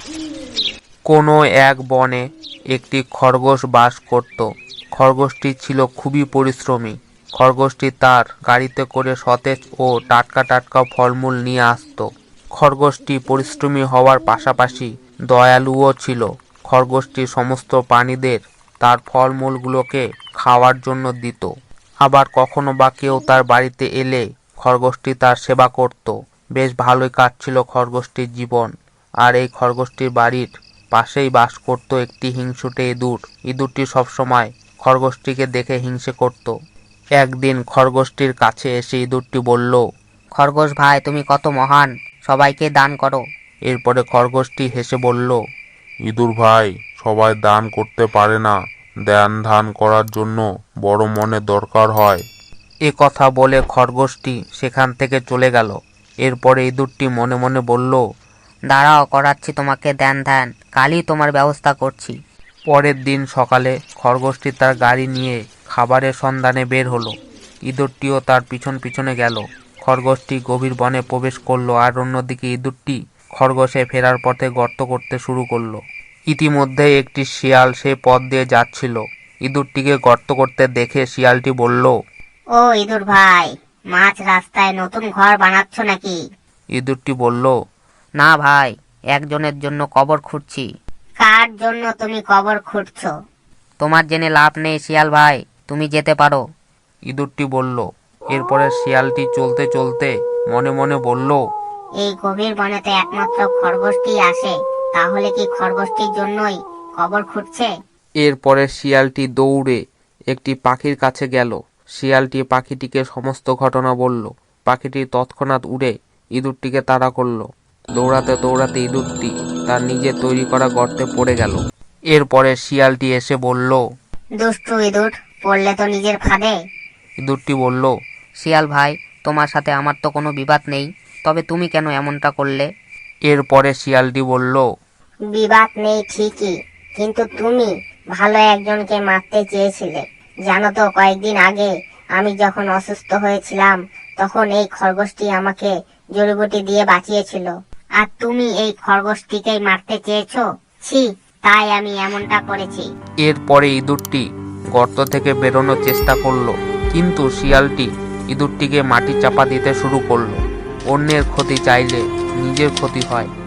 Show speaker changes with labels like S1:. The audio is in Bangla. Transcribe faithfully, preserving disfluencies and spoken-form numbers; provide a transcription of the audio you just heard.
S1: কোনো এক বনে একটি খরগোশ বাস করত। খরগোশটি ছিল খুবই পরিশ্রমী। খরগোশটি তার গাড়িতে করে সতেজ ও টাটকা টাটকা ফলমূল নিয়ে আসতো। খরগোশটি পরিশ্রমী হওয়ার পাশাপাশি দয়ালুও ছিল। খরগোশটি সমস্ত প্রাণীদের তার ফলমূলগুলোকে খাওয়ার জন্য দিত। আবার কখনো বা কেউ তার বাড়িতে এলে খরগোশটি তার সেবা করত। বেশ ভালোই কাটছিল খরগোশটির জীবন। আর এই খরগোশটির বাড়ির পাশেই বাস করত একটি হিংসুটে ইঁদুর। ইঁদুরটি সবসময় খরগোশটিকে দেখে হিংসে করত। একদিন খরগোশটির কাছে এসে ইঁদুরটি বলল,
S2: খরগোশ ভাই, তুমি কত মহান, সবাইকে দান করো।
S1: এরপরে খরগোশটি হেসে বলল,
S3: ইঁদুর ভাই, সবাই দান করতে পারে না। ধ্যান ধান করার জন্য বড় মনের দরকার হয়।
S1: এ কথা বলে খরগোশটি সেখান থেকে চলে গেল। এরপরে ইঁদুরটি মনে মনে বলল,
S2: দাঁড়াও, করাচ্ছি তোমাকে ধ্যান ধ্যান, কালই তোমার ব্যবস্থা করছি।
S1: পরের দিন সকালে খরগোশটি তার গাড়ি নিয়ে খাবারের সন্ধানে বের হলো। ইঁদুরটিও তার পিছন পিছনে গেল। খরগোশটি গভীর বনে প্রবেশ করলো, আর অন্যদিকে ইঁদুরটি খরগোশে ফেরার পথে গর্ত করতে শুরু করলো। ইতিমধ্যে একটি শিয়াল সেই পথ দিয়ে যাচ্ছিল। ইঁদুরটিকে গর্ত করতে দেখে শিয়ালটি বলল,
S4: ও ইঁদুর ভাই, মাঝ রাস্তায় নতুন ঘর বানাচ্ছ নাকি?
S1: ইঁদুরটি বলল,
S2: না ভাই, একজনের জন্য কবর খুঁড়ছি।
S4: কার জন্য তুমি কবর খুঁড়ছো?
S2: তোমার জেনে লাভ নেই শিয়াল ভাই, তুমি যেতে পারো।
S1: ইঁদুরটি বলল। এরপরে শিয়ালটি চলতে চলতে মনে মনে বলল,
S4: এই গভীর বনেতে একমাত্র খরগোশটি আসে, তাহলে কি খরগোশটির জন্যই কবর খুঁড়ছে?
S1: এরপরে শিয়ালটি দৌড়ে একটি পাখির কাছে গেল। শিয়ালটি পাখিটিকে সমস্ত ঘটনা বলল। পাখিটি তৎক্ষণাৎ উড়ে ইঁদুরটিকে তাড়া করলো। দৌড়াতে দৌড়াতে ইঁদুরটি তার নিজে তৈরি করা গর্তে পড়ে গেল। এরপরে শিয়ালটি এসে বলল,
S4: দুষ্টু ইঁদুর, পড়লে তো নিজের ফাঁদে।
S1: ইঁদুরটি বলল,
S2: শিয়াল ভাই, তোমার সাথে আমার তো কোনো বিবাদ নেই, তবে তুমি কেন এমনটা করলে?
S1: এরপরে শিয়ালটি বলল,
S4: বিবাদ নেই ঠিকই, কিন্তু তুমি ভালো একজনকে মারতে চেয়েছিলে। জানো তো, কয়েকদিন আগে আমি যখন অসুস্থ হয়েছিলাম, তখন এই খরগোশটি আমাকে জড়িবুটি দিয়ে বাঁচিয়েছিল। আর তুমি এই খরগোশটিকেই মারতে চেয়েছো। ছি, তাই আমি এমনটা করেছি।
S1: এরপরে ইঁদুরটি গর্ত থেকে বেরোনোর চেষ্টা করলো, কিন্তু শিয়ালটি ইঁদুরটিকে মাটি চাপা দিতে শুরু করলো। অন্যের ক্ষতি চাইলে নিজের ক্ষতি হয়।